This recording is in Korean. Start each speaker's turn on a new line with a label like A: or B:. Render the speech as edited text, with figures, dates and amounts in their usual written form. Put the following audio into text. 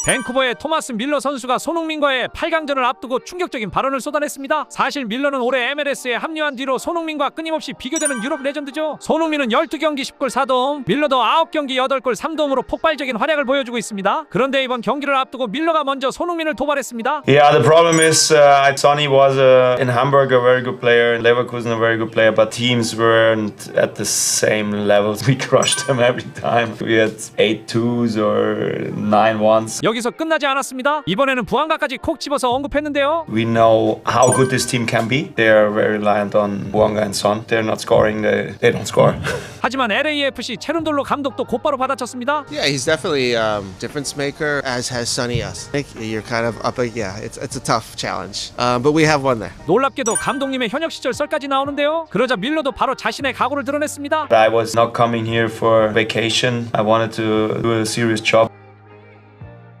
A: 밴쿠버의 토마스 밀러 선수가 손흥민과의 8강전을 앞두고 충격적인 발언을 쏟아냈습니다. 사실 밀러는 올해 MLS에 합류한 뒤로 손흥민과 끊임없이 비교되는 유럽 레전드죠. 손흥민은 12경기 10골 4도움, 밀러도 9경기 8골 3도움으로 폭발적인 활약을 보여주고 있습니다. 그런데 이번 경기를 앞두고 밀러가 먼저 손흥민을 도발했습니다.
B: Yeah, the problem is Sonny was in Hamburg a very good player, in Leverkusen a very good player, but teams weren't at the same levels. We crushed them every time. We had 8-2s or 9-1s.
A: 여기서 끝나지 않았습니다. 이번에는 부안가까지 콕 집어서 언급했는데요.
B: We know how good this team can be. They are very reliant on Bouanga and Son. They're not scoring, they don't score.
A: 하지만 LAFC 체룬돌로 감독도 곧바로 받아쳤습니다.
C: Yeah, he's definitely difference maker, as has Sonny us. I think you're kind of up, yeah, it's a tough challenge, but we have one there.
A: 놀랍게도 감독님의 현역 시절 썰까지 나오는데요. 그러자 밀러도 바로 자신의 각오를 드러냈습니다.
B: I was not coming here for vacation. I wanted to do a serious job.